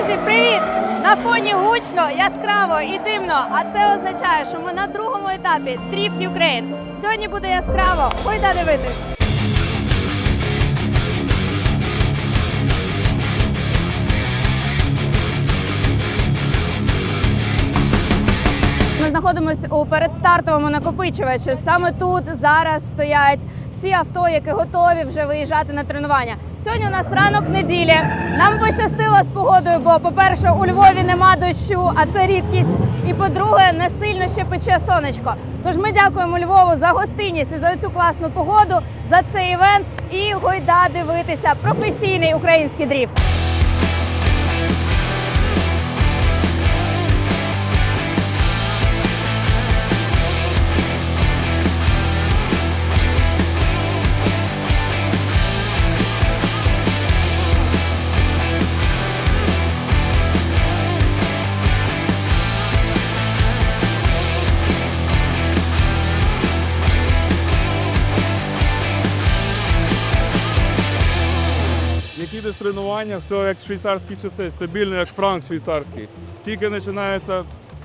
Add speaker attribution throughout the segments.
Speaker 1: Друзі, привіт! На фоні гучно, яскраво і димно, а це означає, що ми на другому етапі Drift Ukraine. Сьогодні буде яскраво, гойда дивитись! Ми знаходимося у передстартовому накопичувачі. Саме тут зараз стоять всі авто, які готові вже виїжджати на тренування. Сьогодні у нас ранок неділі. Нам пощастило з погодою, бо, по-перше, у Львові нема дощу, а це рідкість. І, по-друге, не сильно ще пече сонечко. Тож ми дякуємо Львову за гостинність і за цю класну погоду, за цей івент і гойда дивитися професійний український дріфт.
Speaker 2: Як їдеш тренування, все як швейцарські часи, стабільно, як франк швейцарський. Тільки починається,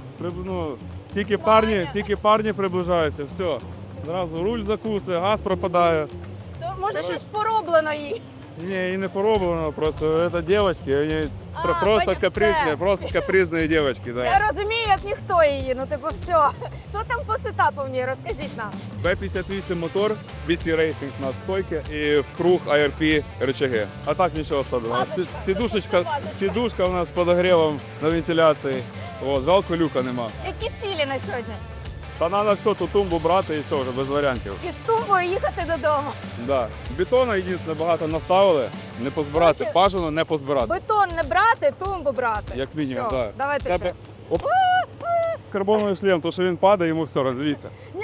Speaker 2: тільки парні приближаються, все. Зразу руль закуси, газ пропадає.
Speaker 1: То, може, щось пороблено їй?
Speaker 2: Ні, і не пороблено, просто це дівчатки, вони просто
Speaker 1: понятно,
Speaker 2: капризні,
Speaker 1: все.
Speaker 2: просто капризні дівчатки. Да.
Speaker 1: Я розумію, як ніхто її, ну типу все. Що там по сетапу в ній, розкажіть нам.
Speaker 2: B58 мотор, BC Racing на стойки і в круг ARP рычаги. А так нічого особливого. Сідушка у нас з подогрівом на вентиляції. О, жалко, люка нема.
Speaker 1: Які цілі на сьогодні?
Speaker 2: Та треба все, ту тумбу брати і все, вже без варіантів.
Speaker 1: І з тумбою їхати додому.
Speaker 2: Да. Бетону єдине багато наставили, не позбиратися,
Speaker 1: Короче,
Speaker 2: бажано не позбирати.
Speaker 1: Бетон не брати, тумбу брати.
Speaker 2: Як мінімум,
Speaker 1: Все,
Speaker 2: так.
Speaker 1: давайте ще.
Speaker 2: Оп. Карбоновий шлем, то що він падає, йому все одно, дивіться.
Speaker 1: Ні.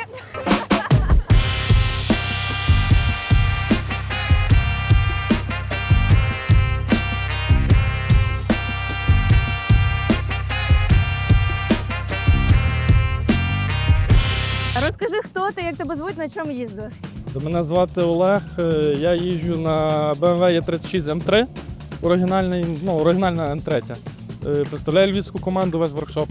Speaker 1: Розкажи, хто ти, як тебе звуть, на чому їздиш?
Speaker 3: Мене звати Олег, я їжджу на BMW E36 M3, оригінальна М3. Представляю львівську команду весь воркшоп.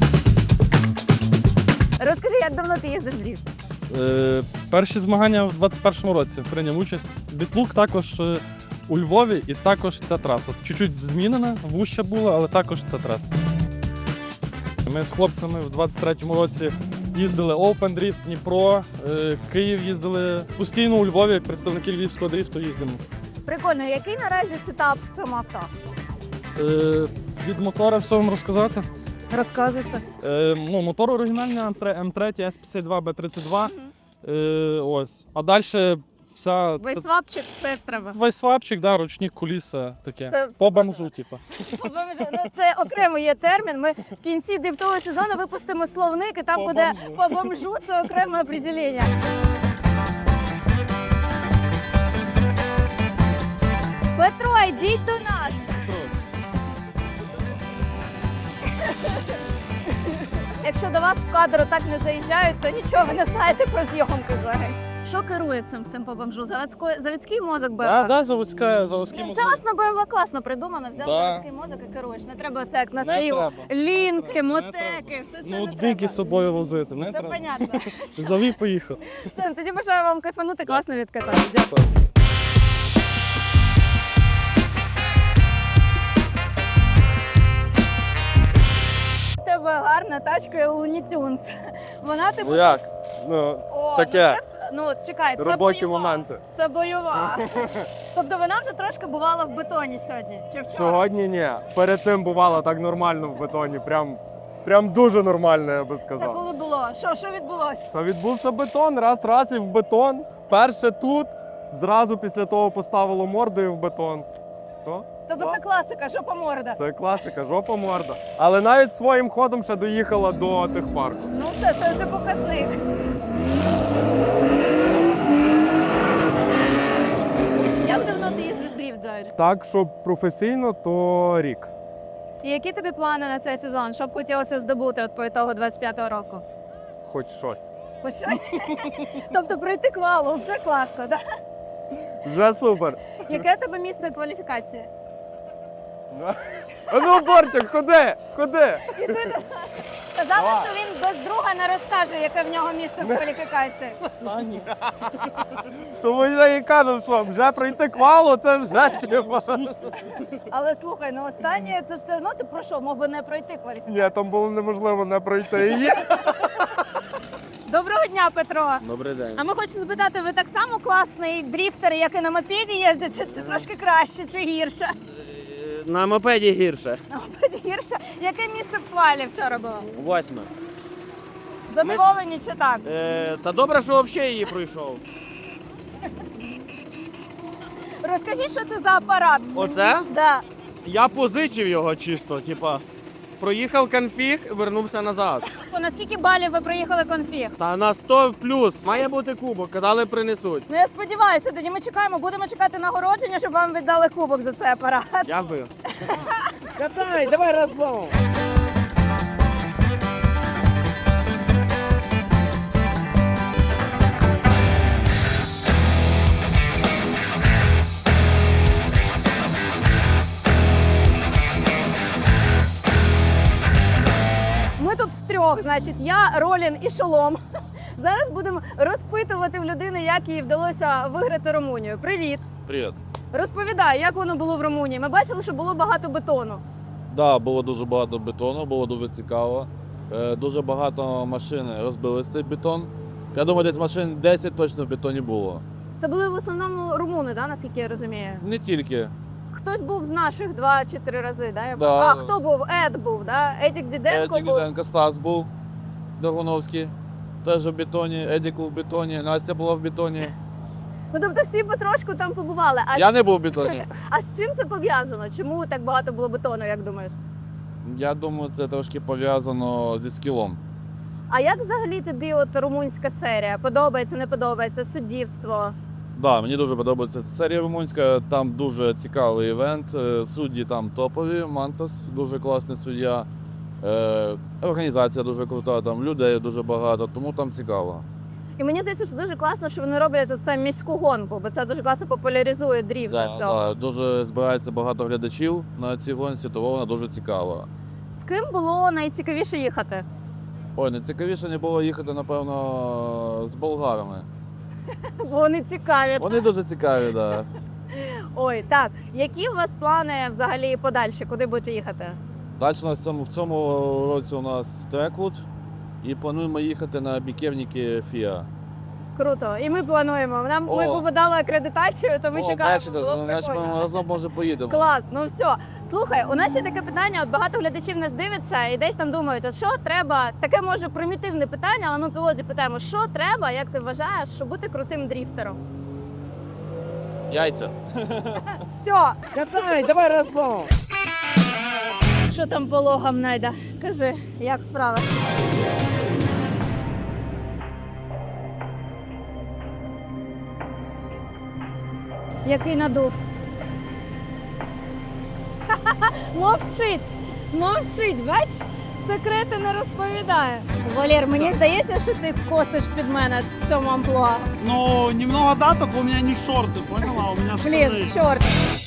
Speaker 1: Розкажи, як давно ти їздиш в дріфт?
Speaker 3: Перші змагання в 2021 році прийняв участь. Бітлук також у Львові і також ця траса. Чуть-чуть змінена, вуща була, але також ця траса. Ми з хлопцями в 2023 році їздили Open Drift, Дніпро, Київ їздили. Постійно у Львові, як представники львівського дрифту, їздимо.
Speaker 1: Прикольно, який наразі сетап в цьому авто?
Speaker 3: Від мотора все вам розказати.
Speaker 1: Розказуйте.
Speaker 3: Мотор оригінальний М3 S52 B32. Ось. А далі вся...
Speaker 1: Вейсвапчик, все треба.
Speaker 3: Вейсвапчик, да, ручник, куліса, таке.
Speaker 1: Це
Speaker 3: По
Speaker 1: все
Speaker 3: бомжу, типу.
Speaker 1: Це окремий є термін. Ми в кінці дрифтового сезону випустимо словник, і там
Speaker 3: По
Speaker 1: буде
Speaker 3: бомжу.
Speaker 1: по бомжу, це окреме определення. Петро, йдіть до нас. Якщо до вас в кадр так не заїжджають, то нічого ви не знаєте про зйомки взагалі. Що керує цим по бомжу? Заводський мозок БМВ?
Speaker 3: Да, заводський
Speaker 1: Це
Speaker 3: мозок.
Speaker 1: класно, БМВ класно придумано. Взяв
Speaker 3: Да.
Speaker 1: заводський мозок і керуєш. Не треба це як на
Speaker 3: Не
Speaker 1: слів.
Speaker 3: треба.
Speaker 1: Лінки, мотеки, все це не
Speaker 3: Ноутбуки
Speaker 1: треба.
Speaker 3: з собою возити. Не
Speaker 1: Все
Speaker 3: треба.
Speaker 1: понятно.
Speaker 3: Завів, поїхав.
Speaker 1: Все, тоді бажаю вам кайфанути, класно відкатати. Дякую. В тебе гарна тачка Looney Tunes. Вона типу.
Speaker 4: Ну як? Ну,
Speaker 1: О,
Speaker 4: таке.
Speaker 1: Ну, чекай, це
Speaker 4: робочі
Speaker 1: бойова.
Speaker 4: моменти.
Speaker 1: Це бойова. Тобто вона вже трошки бувала в бетоні сьогодні. Чи вчора?
Speaker 4: Сьогодні ні. Перед цим бувало так нормально в бетоні. Прям дуже нормально, я би
Speaker 1: Це
Speaker 4: сказав.
Speaker 1: коли було? Що відбулося?
Speaker 4: Та відбувся бетон, раз і в бетон. Перше тут, зразу після того поставило мордою в бетон. Все.
Speaker 1: Тобто це класика, жопа морда.
Speaker 4: Це класика, жопа морда. Але навіть своїм ходом ще доїхала до техпарку.
Speaker 1: Ну все, це вже показник. Як давно ти їздиш дріфт взагалі?
Speaker 4: Так, щоб професійно, то рік.
Speaker 1: І які тобі плани на цей сезон? Що б хотілося здобути от по ітогу 25-го року?
Speaker 4: Хоч щось.
Speaker 1: Хоч щось? Тобто пройти квалу, вже класно, так?
Speaker 4: Вже супер.
Speaker 1: Яке у тебе місце кваліфікації?
Speaker 4: А ну, Борчик, ходи, ходи.
Speaker 1: Сказали, що він без друга не розкаже, яке в нього місце в кваліфікації.
Speaker 4: Тому я і кажу, що вже пройти квалу, це вже типа.
Speaker 1: Але слухай, ну останнє це все одно ти пройшов, мог би не пройти кваліфікацію.
Speaker 4: Ні, там було неможливо не пройти її.
Speaker 1: Доброго дня, Петро.
Speaker 5: Добрий день.
Speaker 1: А ми хочемо спитати, ви так само класний дріфтер, як і на мопеді їздите, чи трошки краще, чи гірше?
Speaker 5: На мопеді гірше.
Speaker 1: На мопеді гірше. Яке місце в квалі вчора було?
Speaker 5: 8.
Speaker 1: Задоволені чи так?
Speaker 5: Та добре, що взагалі її пройшов.
Speaker 1: Розкажіть, що це за апарат?
Speaker 5: Оце?
Speaker 1: Да.
Speaker 5: Я позичив його чисто, типа. Проїхав конфіг, вернувся назад.
Speaker 1: На скільки балів ви проїхали конфіг?
Speaker 5: Та на 100 плюс. Має бути кубок, казали, принесуть.
Speaker 1: Ну я сподіваюся, тоді ми чекаємо, будемо чекати нагородження, щоб вам віддали кубок за цей апарат.
Speaker 5: Дякую. Катай, давай розбавимо.
Speaker 1: Ми тут втрьох, значить, я, Ролін і Шолом. Зараз будемо розпитувати в людини, як їй вдалося виграти Румунію. Привіт!
Speaker 6: Привіт.
Speaker 1: Розповідай, як воно було в Румунії. Ми бачили, що було багато бетону.
Speaker 6: Да, було дуже багато бетону, було дуже цікаво. Дуже багато машин розбили цей бетон. Я думаю, десь машин 10 точно в бетоні було.
Speaker 1: Це були в основному румуни, да, наскільки я розумію.
Speaker 6: Не тільки.
Speaker 1: Хтось був з наших 2 чи 3 рази, да?
Speaker 6: Да.
Speaker 1: А хто був? Ед був, да? Едік Діденко
Speaker 6: Едік
Speaker 1: був.
Speaker 6: Діденко, Стас був, Догуновський, теж в бетоні, Едік в бетоні, Настя була в бетоні.
Speaker 1: Ну тобто всі потрошку там побували. А
Speaker 6: Я не був в бетоні.
Speaker 1: А з чим це пов'язано? Чому так багато було бетону, як думаєш?
Speaker 6: Я думаю, це трошки пов'язано зі скілом.
Speaker 1: А як взагалі тобі от румунська серія? Подобається, не подобається? Суддівство?
Speaker 6: Да, мені дуже подобається серія румунська, там дуже цікавий івент. Судді там топові, Мантас, дуже класний суддя. Організація дуже крута, там людей дуже багато, тому там цікаво.
Speaker 1: І мені здається, що дуже класно, що вони роблять оце міську гонку, бо це дуже класно популяризує дріфт.
Speaker 6: Да, дуже збирається багато глядачів на цій гонці, тому вона дуже цікава.
Speaker 1: З ким було найцікавіше їхати?
Speaker 6: Ой, найцікавіше не було їхати, напевно, з болгарами.
Speaker 1: Бо вони цікаві.
Speaker 6: Вони дуже цікаві, так. Да.
Speaker 1: Ой, так. Які у вас плани взагалі подальші? Куди будете їхати?
Speaker 6: Далі у нас в цьому році у нас Треквуд і плануємо їхати на біківники FIA.
Speaker 1: Круто. І ми плануємо. Ми
Speaker 6: О.
Speaker 1: подали акредитацію, то ми чекаємо.
Speaker 6: бачите,
Speaker 1: Було
Speaker 6: значить,
Speaker 1: прикольно.
Speaker 6: ми разом може поїдемо.
Speaker 1: Клас, ну все. Слухай, у нас ще таке питання, от багато глядачів нас дивиться і десь там думають, от що треба, таке може примітивне питання, але ми пілоті питаємо, що треба, як ти вважаєш, щоб бути крутим дріфтером?
Speaker 6: Яйця.
Speaker 1: Все,
Speaker 5: Катай, давай розбавимо.
Speaker 1: що там по логам, Найда? Кажи, як справи? Який надув? Мовчить, мовчить, бач? Секрети не розповідає. Валер, мені здається, що ти косиш під мене в цьому амплуа.
Speaker 7: Ну, немного да, только у меня не шорты, поняла? У меня
Speaker 1: Блін,
Speaker 7: штаны.
Speaker 1: чорт.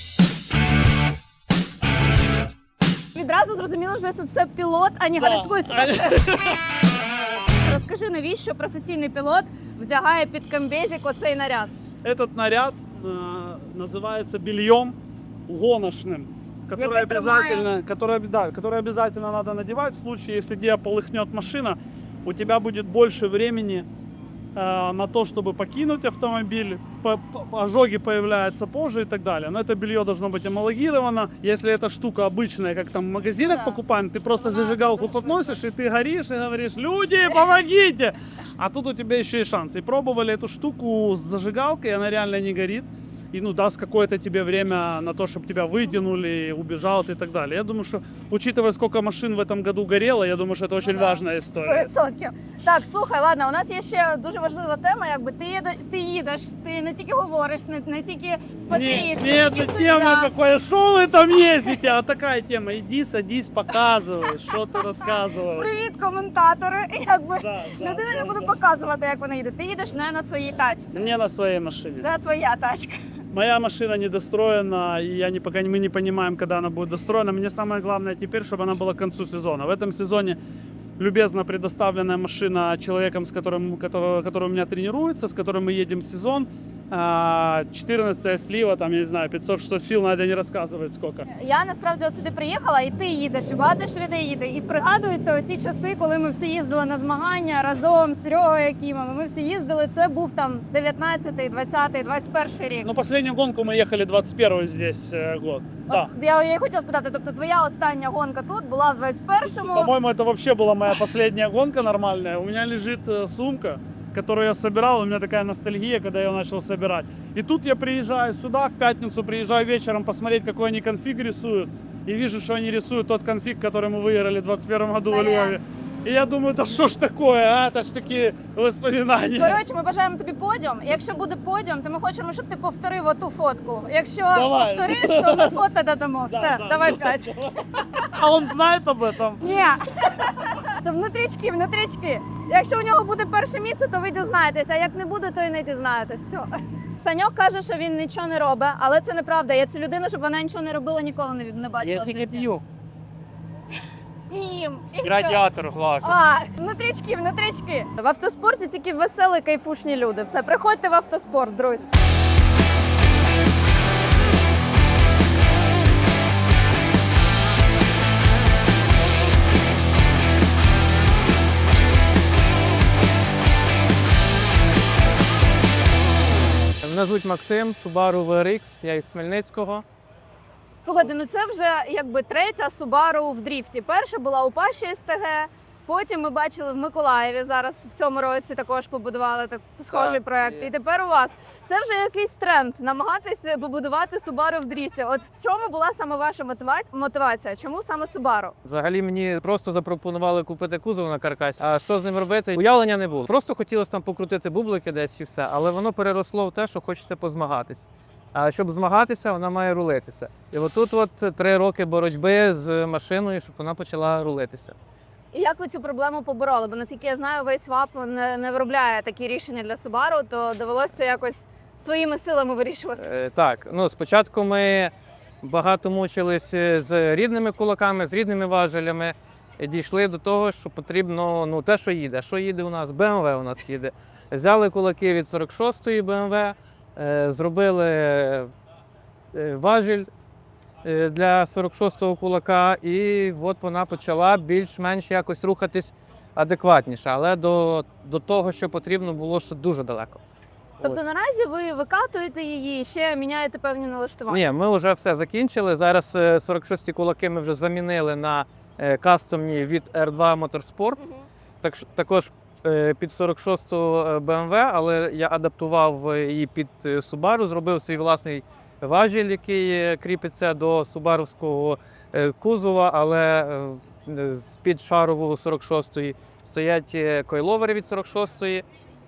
Speaker 1: Відразу зрозуміло, що це пілот, а не
Speaker 7: Да.
Speaker 1: городський сумасшедший. Розкажи, навіщо професійний пілот вдягає під комбезик оцей наряд?
Speaker 7: Этот наряд называется бельем гоночным, который
Speaker 1: Я
Speaker 7: обязательно, который обязательно надо надевать в случае, если тебя полыхнет машина, у тебя будет больше времени на то, чтобы покинуть автомобиль, ожоги появляются позже и так далее. Но это белье должно быть эмалогировано. Если эта штука обычная, как там в магазинах
Speaker 1: Да.
Speaker 7: покупаем, ты просто
Speaker 1: Она
Speaker 7: зажигалку
Speaker 1: душная.
Speaker 7: подносишь, и ты горишь, и говоришь: люди, помогите! А тут у тебя еще и шанс. И пробовали эту штуку с зажигалкой, и она реально не горит. И ну, даст какое-то тебе время на то, чтобы тебя вытянули, убежал ты и так далее. Я думаю, что, учитывая, сколько машин в этом году горело, я думаю, что это очень важная история.
Speaker 1: 100%. Так, слухай, ладно, у нас є ще дуже важлива тема, якби ти їдеш, ти не тільки говориш, не тільки спотієш,
Speaker 7: Не эта тема такая, что вы там ездите, а такая тема: иди, садись, показывай, что ты рассказываешь.
Speaker 1: Привіт, коментатори. І якби
Speaker 7: Да, да,
Speaker 1: людина не
Speaker 7: да,
Speaker 1: буде
Speaker 7: да.
Speaker 1: показувати, як вона їде. Ти їдеш не на своїй тачці.
Speaker 7: Не на своей машине.
Speaker 1: Це твоя тачка.
Speaker 7: Моя машина недостроена, и мы не понимаем, когда она будет достроена. Мне самое главное теперь, чтобы она была к концу сезона. В этом сезоне любезно предоставленная машина человеком, который у меня тренируется, с которым мы едем в сезон. 14 слива, там, я не знаю, 500-600 сил, надо не розказувати сколько.
Speaker 1: Я насправді от сюди приїхала, і ти їдеш, і багато ж людей їде. І пригадуються оті часи, коли ми всі їздили на змагання разом з Серегою Якимом. Ми всі їздили, це був там 19-й, 20-й, 21-й рік.
Speaker 7: Ну, последнюю гонку мы ехали 21-й здесь год. Да.
Speaker 1: От я і хотіла спитати, тобто твоя остання гонка тут була в 21-му?
Speaker 7: По-моему, это вообще была моя последняя гонка нормальная. У меня лежит сумка, которую я собирал. У меня такая ностальгия, когда я ее начал собирать. И тут я приезжаю сюда, в пятницу приезжаю вечером посмотреть, какой они конфиг рисуют. И вижу, что они рисуют тот конфиг, который мы выиграли в 21 году во Львове. И я думаю, да что ж такое, а? Это ж такі воспоминания.
Speaker 1: Коротше, ми бажаємо тобі подіум. Якщо буде подіум, то ми хочемо, щоб ти повторив оту фотку. Якщо
Speaker 7: Давай.
Speaker 1: повториш, то ми фото додамо. Все,
Speaker 7: Да,
Speaker 1: давай
Speaker 7: да,
Speaker 1: 5.
Speaker 7: А он знает об этом?
Speaker 1: Ні. Це внутрічки, внутрічки. Якщо у нього буде перше місце, то ви дізнаєтеся, а як не буде, то і не дізнаєтесь. Все. Саньок каже, що він нічого не робить, але це неправда. Я цю людину, щоб вона нічого не робила, ніколи не бачила.
Speaker 8: Я
Speaker 1: в
Speaker 8: тільки
Speaker 1: житті.
Speaker 8: п'ю.
Speaker 1: Їм. І все.
Speaker 8: Радіатор глажу.
Speaker 1: А, внутрічки, внутрічки. В автоспорті тільки веселі, кайфушні люди. Все, приходьте в автоспорт, друзі.
Speaker 9: Мене звуть Максим, Subaru VRX, я із Хмельницького.
Speaker 1: Слухайте, ну це вже якби третя Subaru в дріфті. Перша була у Паші СТГ, потім ми бачили в Миколаєві, зараз в цьому році також побудували схожий
Speaker 9: Так,
Speaker 1: проект.
Speaker 9: є.
Speaker 1: І тепер у вас. Це вже якийсь тренд, намагатися побудувати Subaru в дріфті. От в чому була саме ваша мотивація? Чому саме Subaru?
Speaker 9: Взагалі мені просто запропонували купити кузов на каркасі, а що з ним робити, уявлення не було. Просто хотілося там покрутити бублики десь і все, але воно переросло в те, що хочеться позмагатись. А щоб змагатися, вона має рулитися. І отут 3 роки боротьби з машиною, щоб вона почала рулитися.
Speaker 1: І як ви цю проблему побороли? Бо наскільки я знаю, Вейсвап не виробляє такі рішення для Subaru, то довелося це якось своїми силами вирішувати.
Speaker 9: Так, ну спочатку ми багато мучились з рідними кулаками, з рідними важелями. І дійшли до того, що потрібно те, що їде. Що їде у нас? BMW у нас їде. Взяли кулаки від 46-ї BMW, зробили важіль для 46-го кулака, і от вона почала більш-менш якось рухатись адекватніше. Але до того, що потрібно, було ще дуже далеко.
Speaker 1: Тобто
Speaker 9: Ось.
Speaker 1: наразі ви викатуєте її і ще міняєте певні налаштування?
Speaker 9: Ні, ми вже все закінчили. Зараз 46-ті кулаки ми вже замінили на кастомні від R2 Motorsport. Також під 46-ту BMW, але я адаптував її під Subaru, зробив свій власний важіль, який кріпиться до субаровського кузова, але з-під шарову 46-ї стоять койловери від 46-ї.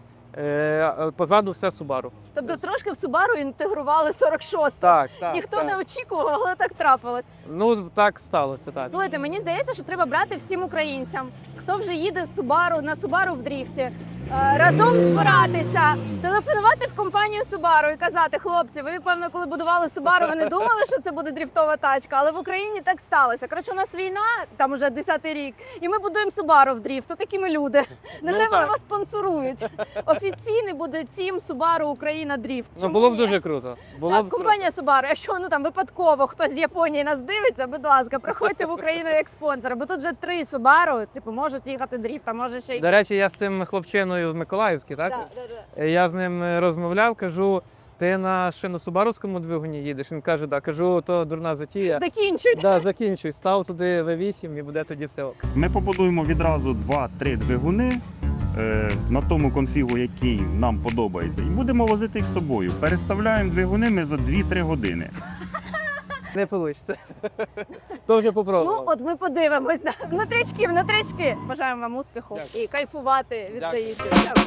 Speaker 9: Позаду все Subaru.
Speaker 1: Тобто трошки в Subaru інтегрували 46-ту.
Speaker 9: Так.
Speaker 1: Ніхто не очікував, але так трапилось.
Speaker 9: Ну, так сталося, так.
Speaker 1: Слухайте, мені здається, що треба брати всім українцям, хто вже їде з Subaru, на Subaru в дріфті, разом збиратися, телефонувати в компанію Subaru і казати: хлопці, ви, певно, коли будували Subaru, ви не думали, що це буде дріфтова тачка, але в Україні так сталося. Коротше, у нас війна, там уже 10-й рік, і ми будуємо Subaru в дріфт. То такі ми люди. Не
Speaker 9: Ну,
Speaker 1: треба,
Speaker 9: так.
Speaker 1: вас спонсорують. Офіційний буде Team Subaru Україна дріфт.
Speaker 9: Ну,
Speaker 1: Чому
Speaker 9: було б
Speaker 1: ні?
Speaker 9: дуже круто. Було
Speaker 1: Так,
Speaker 9: б круто.
Speaker 1: компанія Subaru, якщо там випадково хтось з Японії нас дивиться, будь ласка, приходьте в Україну як спонсори, бо тут вже 3 Subaru, можуть їхати дріфт, а може ще й...
Speaker 9: До речі, я з цим хлопчиною в Миколаївській, так?
Speaker 1: Да.
Speaker 9: Я з ним розмовляв, кажу, ти на шиносубаровському двигуні їдеш? Він каже, так. Кажу, то дурна затія.
Speaker 1: Закінчуй.
Speaker 9: Да, закінчуй, став туди V8 і буде тоді все ок.
Speaker 10: Ми побудуємо відразу 2-3 двигуни на тому конфігу, який нам подобається, і будемо возити їх з собою. Переставляємо двигуни ми за 2-3 години.
Speaker 9: Не вийде. То вже
Speaker 1: Ну,
Speaker 9: попробував.
Speaker 1: от ми подивимось. Да. Внутрічки, внутрічки. Бажаємо вам успіху
Speaker 9: Дякую.
Speaker 1: і кайфувати від
Speaker 9: Дякую.
Speaker 1: цієї. Дякую.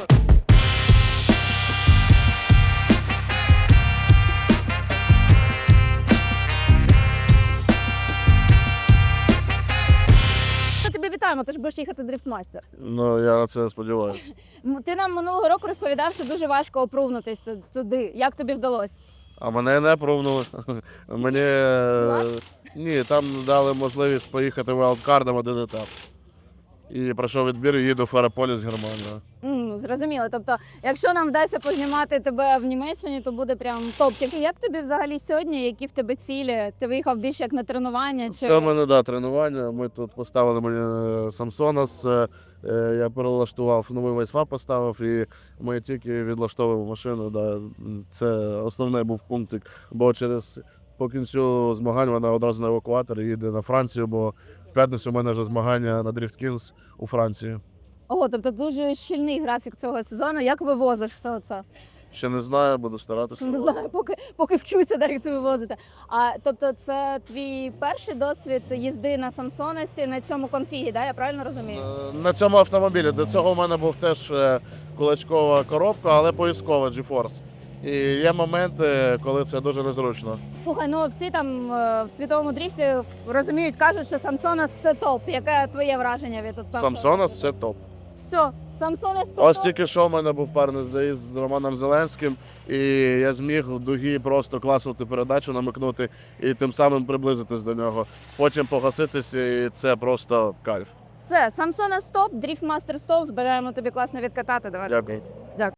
Speaker 1: Ми тебе вітаємо, ти ж будеш їхати Drift Masters.
Speaker 6: Ну, я на це сподіваюся.
Speaker 1: Ти нам минулого року розповідав, що дуже важко опрувнутись туди. Як тобі вдалося?
Speaker 6: А мене не пробували. Мені ні, там дали можливість поїхати вайлдкардом один етап. І пройшов відбір і їду в Феррополіс, Германія.
Speaker 1: Зрозуміло. Тобто, якщо нам вдасться познімати тебе в Німеччині, то буде прям топ. Тільки як тобі взагалі сьогодні? Які в тебе цілі? Ти виїхав більше як на тренування? Чи...
Speaker 6: Це в мене, тренування. Ми тут поставили мені Самсонас, я перелаштував, новий вайсфап поставив, і ми тільки відлаштовуємо машину. Да. Це основний був пунктик, бо по кінцю змагань вона одразу на евакуатор і їде на Францію, бо в п'ятницю у мене вже змагання на Drift Kings у Франції.
Speaker 1: Ого, тобто дуже щільний графік цього сезону. Як вивозиш все це?
Speaker 6: Ще не знаю, буду старатися.
Speaker 1: Не знаю, поки вчуся, як це вивозити. А тобто, це твій перший досвід їзди на Самсонесі на цьому конфігі, да? Я правильно розумію?
Speaker 6: На цьому автомобілі. До цього в мене був теж кулачкова коробка, але поїздкова GeForce. І є моменти, коли це дуже незручно.
Speaker 1: Слухай, ну всі там в світовому дріфті розуміють, кажуть, що Самсонес це топ. Яке твоє враження від от
Speaker 6: Самсонас – це топ.
Speaker 1: Все, Самсонес це
Speaker 6: Ось
Speaker 1: топ.
Speaker 6: тільки що в мене був парний заїзд з Романом Зеленським, і я зміг в дугі просто класувати передачу, намикнути і тим самим приблизитись до нього. Потім погаситися, і це просто кайф.
Speaker 1: Все, Самсонес топ, Дріфтмастер топ. Збираємо тобі класно відкатати. Давай.
Speaker 6: Дякую.
Speaker 1: Дякую.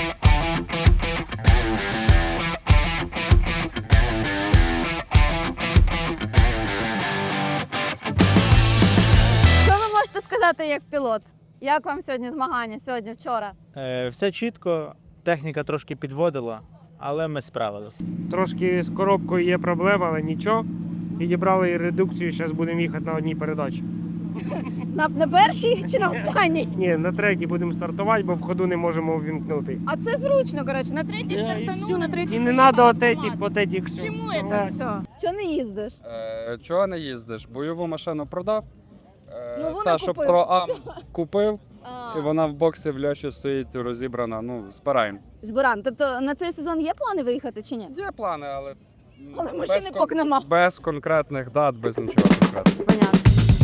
Speaker 1: Що ви можете сказати як пілот? Як вам сьогодні змагання? Сьогодні, вчора?
Speaker 8: Все чітко, техніка трошки підводила, але ми справилися.
Speaker 11: Трошки з коробкою є проблема, але нічого. Підібрали редукцію, зараз будемо їхати на одній передачі.
Speaker 1: На першій чи на останній?
Speaker 11: Ні, на третій будемо стартувати, бо в ходу не можемо ввімкнути.
Speaker 1: А це зручно, коротше, на третій стартану, на третій.
Speaker 11: І не треба отетік, потетік.
Speaker 1: Чому це все? Чого не їздиш?
Speaker 3: Чого не їздиш? Бойову машину продав.
Speaker 1: Нову
Speaker 3: Та,
Speaker 1: не
Speaker 3: що
Speaker 1: купив.
Speaker 3: про Ам купив,
Speaker 1: А,
Speaker 3: і вона в боксі в Льоші стоїть розібрана. Ну, збираємо.
Speaker 1: Збиран. Тобто на цей сезон є плани виїхати чи ні?
Speaker 3: Є плани, але.
Speaker 1: Але машини поки нема.
Speaker 3: Без конкретних дат, без нічого конкретного.
Speaker 1: Понятно.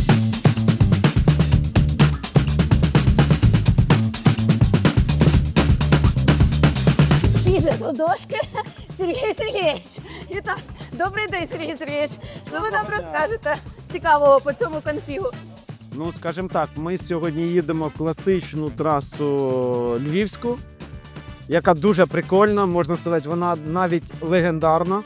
Speaker 1: Піде до дошки Сергій Сергійович. І так, добрий день, Сергій Сергійович. Що ви нам розкажете цікавого по цьому конфігу?
Speaker 12: Ну, скажімо так, ми сьогодні їдемо класичну трасу львівську, яка дуже прикольна, можна сказати, вона навіть легендарна,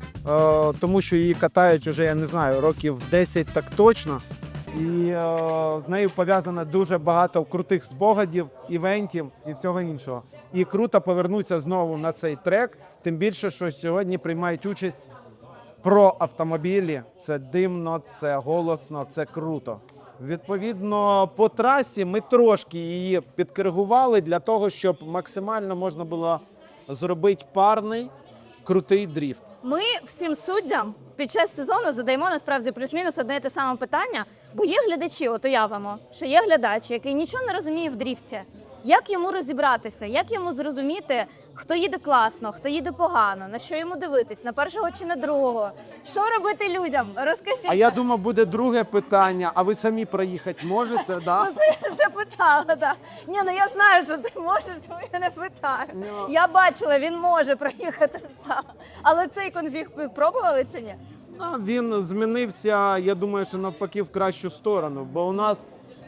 Speaker 12: тому що її катають уже, я не знаю, років 10 так точно. І з нею пов'язано дуже багато крутих спогадів, івентів і всього іншого. І круто повернутися знову на цей трек, тим більше, що сьогодні приймають участь про автомобілі. Це димно, це голосно, це круто. Відповідно, по трасі ми трошки її підкоригували для того, щоб максимально можна було зробити парний, крутий дріфт.
Speaker 1: Ми всім суддям під час сезону задаємо насправді плюс-мінус одне і те саме питання, бо є глядачі, от уявимо, що є глядач, який нічого не розуміє в дріфті. Як йому розібратися, як йому зрозуміти, хто їде класно, хто їде погано, на що йому дивитись, на першого чи на другого? Що робити людям? Розкажіть.
Speaker 12: А я думав, буде друге питання, а ви самі проїхати можете, да?
Speaker 1: Ну, це я вже питала, так. Ні, ну я знаю, що ти можеш, тому я не питаю. Я бачила, він може проїхати сам. Але цей конфіг ви пробували чи ні?
Speaker 12: Він змінився, я думаю, що навпаки в кращу сторону, бо у нас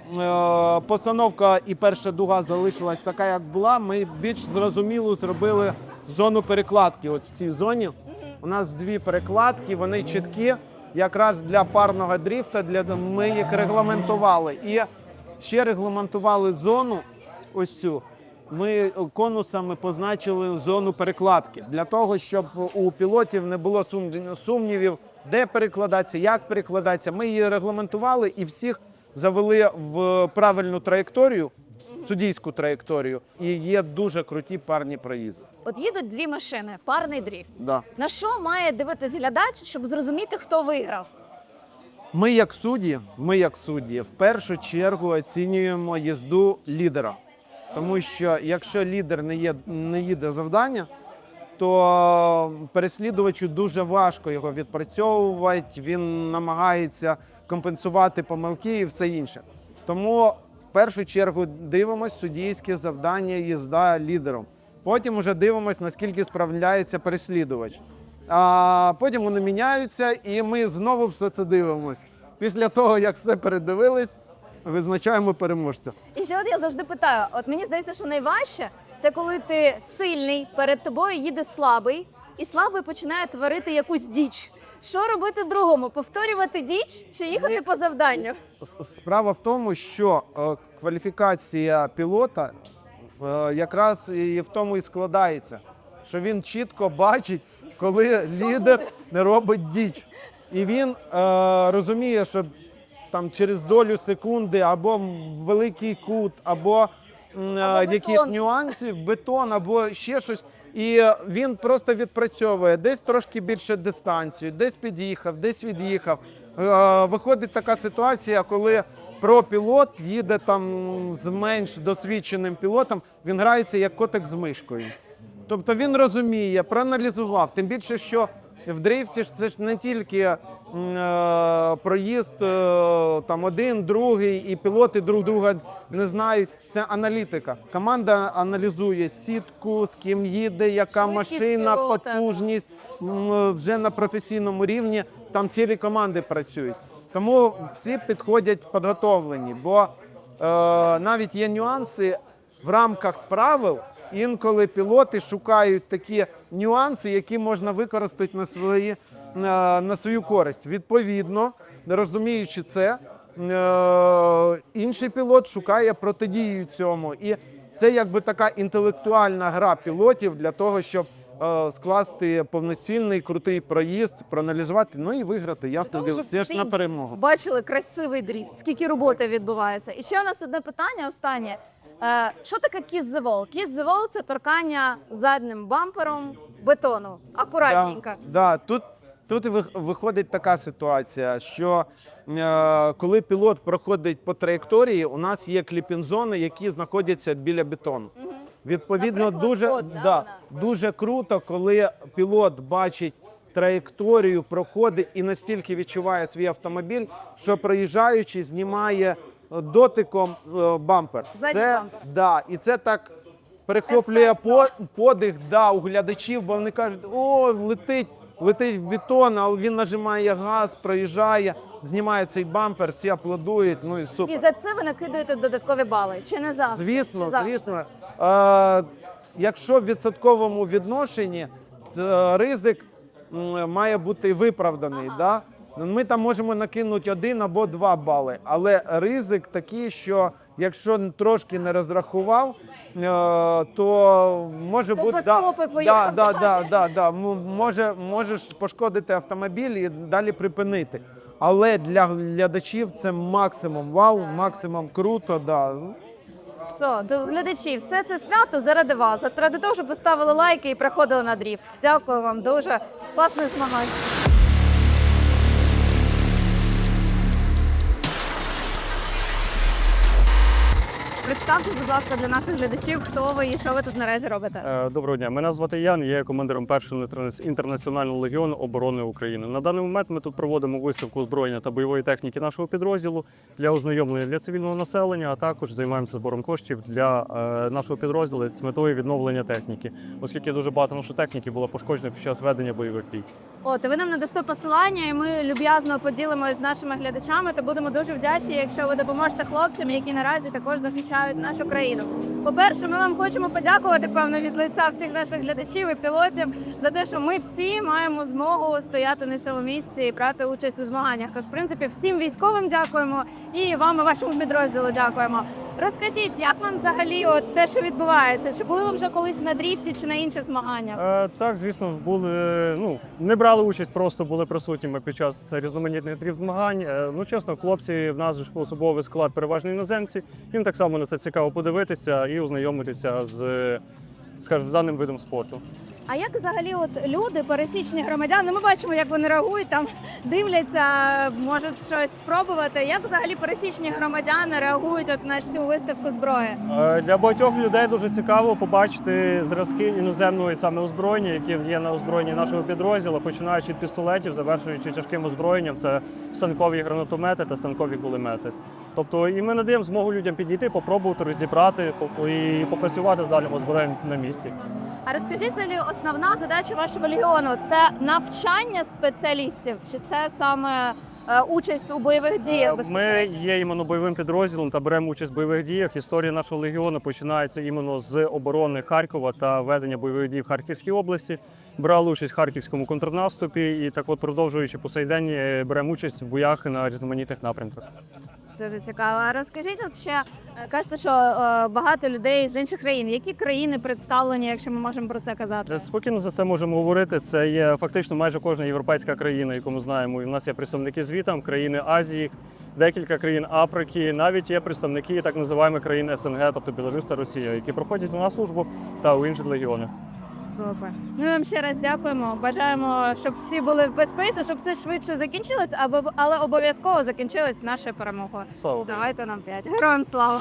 Speaker 12: постановка і перша дуга залишилась така, як була. Ми більш зрозуміло зробили зону перекладки. От в цій зоні у нас дві перекладки, вони чіткі, якраз для парного дріфта, ми їх регламентували. І ще регламентували зону, ось цю. Ми конусами позначили зону перекладки, для того, щоб у пілотів не було сумнівів, де перекладатися, як перекладатися. Ми її регламентували і всіх завели в правильну траєкторію, суддійську траєкторію, і є дуже круті парні проїзди.
Speaker 1: От їдуть дві машини, парний дріфт.
Speaker 12: Да.
Speaker 1: На що має дивитись глядач, щоб зрозуміти, хто виграв?
Speaker 12: Ми як судді, в першу чергу оцінюємо їзду лідера. Тому що якщо лідер не їде завдання, то переслідувачу дуже важко його відпрацьовувати, він намагається компенсувати помилки і все інше. Тому в першу чергу дивимося суддійське завдання їзда лідером. Потім вже дивимося, наскільки справляється переслідувач. А потім вони міняються, і ми знову все це дивимось. Після того, як все передивились, визначаємо переможця.
Speaker 1: І ще от я завжди питаю: от мені здається, що найважче це коли ти сильний, перед тобою їде слабий, і слабий починає творити якусь діч. Що робити другому? Повторювати діч чи їхати по завданню?
Speaker 12: Справа в тому, що кваліфікація пілота якраз і в тому і складається, що він чітко бачить, коли лідер не робить діч. І він розуміє, що там через долю секунди або великий кут, або якісь нюанси, бетон, або ще щось. І він просто відпрацьовує, десь трошки більше дистанцію, десь під'їхав, десь від'їхав. Виходить така ситуація, коли про-пілот їде там з менш досвідченим пілотом, він грається як котик з мишкою. Тобто він розуміє, проаналізував, тим більше, що в дрифті ж це ж не тільки проїзд там один, другий, і пілоти друг друга не знають. Це аналітика. Команда аналізує сітку, з ким їде, яка
Speaker 1: Швидкість
Speaker 12: машина,
Speaker 1: пілота.
Speaker 12: потужність. Вже на професійному рівні там цілі команди працюють. Тому всі підходять підготовлені, бо навіть є нюанси в рамках правил. Інколи пілоти шукають такі нюанси, які можна використати на свою користь. Відповідно, розуміючи це, інший пілот шукає протидію цьому. І це якби така інтелектуальна гра пілотів для того, щоб скласти повноцінний, крутий проїзд, проаналізувати, ну і виграти. Ясно,
Speaker 1: Тому що
Speaker 12: все ж на
Speaker 1: всі
Speaker 12: перемогу.
Speaker 1: Бачили красивий дріфт, скільки роботи відбувається. І ще у нас одне питання останнє. Що таке kiss the wall? Kiss the wall – це торкання заднім бампером бетону. Акуратненько.
Speaker 12: Тут виходить така ситуація, що коли пілот проходить по траєкторії, у нас є кліпінг-зони, які знаходяться біля бетону. Відповідно,
Speaker 1: Наприклад,
Speaker 12: дуже круто, коли пілот бачить траєкторію, проходить і настільки відчуває свій автомобіль, що проїжджаючи, знімає дотиком бампер.
Speaker 1: Задній бампер.
Speaker 12: Да, і це так перехоплює подих у глядачів, бо вони кажуть, о, летить в бетон, а він нажимає газ, проїжджає, знімає цей бампер, всі аплодують, ну і супер.
Speaker 1: І за це ви накидаєте додаткові бали? Чи не завжди?
Speaker 12: Звісно,
Speaker 1: Чи завжди?
Speaker 12: звісно. Якщо в відсотковому відношенні, ризик має бути виправданий. Да? Ми там можемо накинути 1 або 2 бали, але ризик такий, що якщо трошки не розрахував, то може бути...
Speaker 1: без попи поїхав.
Speaker 12: Можеш пошкодити автомобіль і далі припинити. Але для глядачів це максимум вау, максимум круто. Да.
Speaker 1: Все, до глядачів, все це свято заради вас. Заради того, щоб ви ставили лайки і приходили на дріфт. Дякую вам дуже. Класних змагань. Представтесь, будь ласка, для наших глядачів, хто ви і що ви тут наразі робите.
Speaker 13: Доброго дня, мене звати Ян, я є командиром першого інтернаціонального легіону оборони України. На даний момент ми тут проводимо виставку озброєння та бойової техніки нашого підрозділу для ознайомлення для цивільного населення, а також займаємося збором коштів для нашого підрозділу з метою відновлення техніки, оскільки дуже багато нашої техніки було пошкоджено під час ведення бойових дій.
Speaker 1: От, і ви нам надасте посилання, і ми люб'язно поділимося з нашими глядачами, та будемо дуже вдячні, якщо ви допоможете хлопцям, які наразі також захищають нашу країну. По-перше, ми вам хочемо подякувати, певно, від лиця всіх наших глядачів і пілотів за те, що ми всі маємо змогу стояти на цьому місці і брати участь у змаганнях. Тож, в принципі, всім військовим дякуємо і вам, і вашому підрозділу дякуємо. Розкажіть, як вам взагалі те, що відбувається? Чи були ви вже колись на дріфті чи на інших змаганнях?
Speaker 13: Так, звісно, не брали участь, просто були присутніми під час різноманітних дріфт-змагань. Чесно, хлопці, в нас же особовий склад переважно іноземці, їм так само на це цікаво подивитися і ознайомитися з, скажімо, з даним видом спорту.
Speaker 1: А як взагалі от люди, пересічні громадяни, ми бачимо, як вони реагують, там дивляться, можуть щось спробувати. Як взагалі пересічні громадяни реагують от на цю виставку зброї?
Speaker 13: Для багатьох людей дуже цікаво побачити зразки іноземного саме озброєння, які є на озброєнні нашого підрозділу, починаючи від пістолетів, завершуючи тяжким озброєнням. Це станкові гранатомети та станкові кулемети. Тобто і ми надаємо змогу людям підійти, попробувати розібрати і попрацювати з даним озброєнням на місці.
Speaker 1: А розкажіть, взагалі, основна задача вашого легіону – це навчання спеціалістів, чи це саме участь у бойових діях?
Speaker 13: Ми є іменно бойовим підрозділом та беремо участь в бойових діях. Історія нашого легіону починається іменно з оборони Харкова та ведення бойових дій в Харківській області. Брали участь в харківському контрнаступі і так от, продовжуючи по сей день, беремо участь в боях на різноманітних напрямках.
Speaker 1: Дуже цікаво. А розкажіть, от ще кажете, що багато людей з інших країн. Які країни представлені, якщо ми можемо про це казати?
Speaker 13: Спокійно за це можемо говорити. Це є фактично майже кожна європейська країна, яку ми знаємо. І в нас є представники звітам, країни Азії, декілька країн Африки, навіть є представники так називаємо країн СНГ, тобто Білорусь та Росія, які проходять у нас службу та у інших легіонах.
Speaker 1: Добре. Ми вам ще раз дякуємо. Бажаємо, щоб всі були в безпеці, щоб все швидше закінчилось, але обов'язково закінчилось нашою перемогою.
Speaker 13: Слава.
Speaker 1: Давайте нам 5. Героям слава!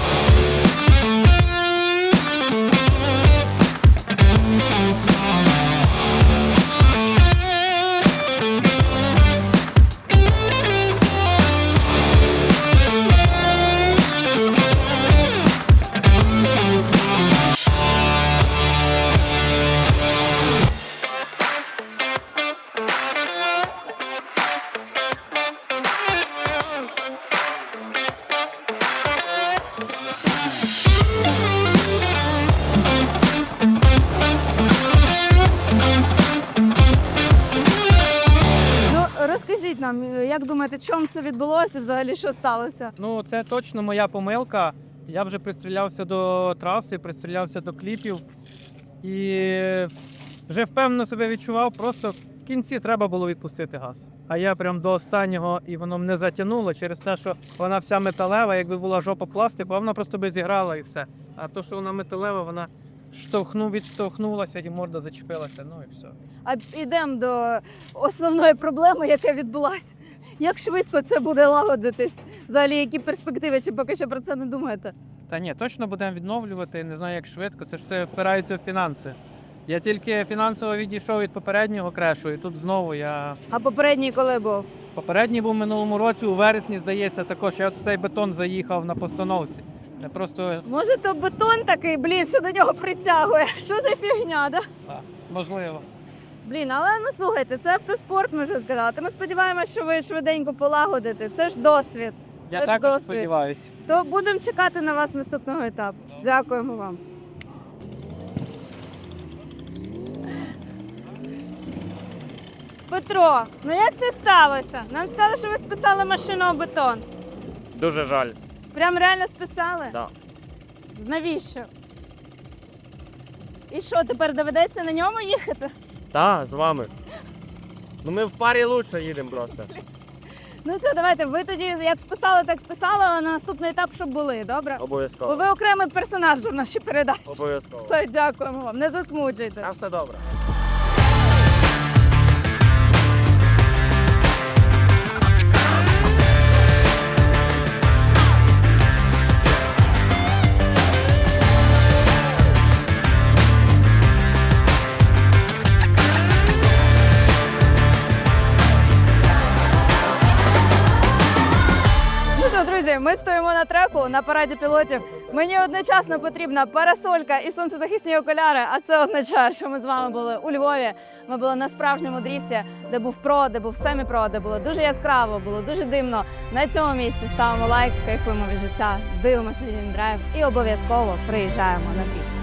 Speaker 1: Розкажіть нам, як думаєте, чому це відбулося, взагалі що сталося?
Speaker 9: Ну, це точно моя помилка. Я вже пристрілявся до траси, пристрілявся до кліпів і вже впевнено себе відчував, просто в кінці треба було відпустити газ. А я прям до останнього, і воно мене затягнуло через те, що вона вся металева, якби була жопа пластику, вона просто би зіграла і все. А то, що вона металева, вона відштовхнулася і морда зачепилася, ну і все.
Speaker 1: А йдемо до основної проблеми, яка відбулася. Як швидко це буде лагодитись? Взагалі, які перспективи, чи поки що про це не думаєте?
Speaker 9: Та ні, точно будемо відновлювати, не знаю як швидко, це ж все впирається в фінанси. Я тільки фінансово відійшов від попереднього крешу, і тут знову я...
Speaker 1: А попередній коли був?
Speaker 9: Попередній був в минулому році, у вересні, здається, також. Я от в цей бетон заїхав на постановці. Я просто...
Speaker 1: Може, то бетон такий, блін, що до нього притягує? Що за фігня, да?
Speaker 9: Так, можливо.
Speaker 1: Блін, але ну слухайте, це автоспорт, ми вже сказали. Ми сподіваємося, що ви швиденько полагодите. Це ж досвід.
Speaker 9: Я також сподіваюся.
Speaker 1: То будемо чекати на вас наступного етапу. Дякуємо вам. Петро, ну як це сталося? Нам сказали, що ви списали машину у бетон.
Speaker 5: Дуже жаль.
Speaker 1: Прям реально списали?
Speaker 5: Да.
Speaker 1: Навіщо? І що, тепер доведеться на ньому їхати?
Speaker 5: Так, з вами. Ну ми в парі лучше їдемо просто.
Speaker 1: Ну це давайте, ви тоді як списали, так списали, а на наступний етап, щоб були, добре? Бо
Speaker 5: Обов'язково.
Speaker 1: ви окремий персонаж в нашій передачі.
Speaker 5: Обов'язково.
Speaker 1: Все, дякуємо вам, не засмучуйте.
Speaker 5: Та все добре.
Speaker 1: Друзі, ми стоїмо на треку на параді пілотів. Мені одночасно потрібна парасолька і сонцезахисні окуляри, а це означає, що ми з вами були у Львові. Ми були на справжньому дріфті, де був про, де був семі-про, де було дуже яскраво, було дуже димно. На цьому місці ставимо лайк, кайфуємо від життя, дивимося Драйв і обов'язково приїжджаємо на дріфт.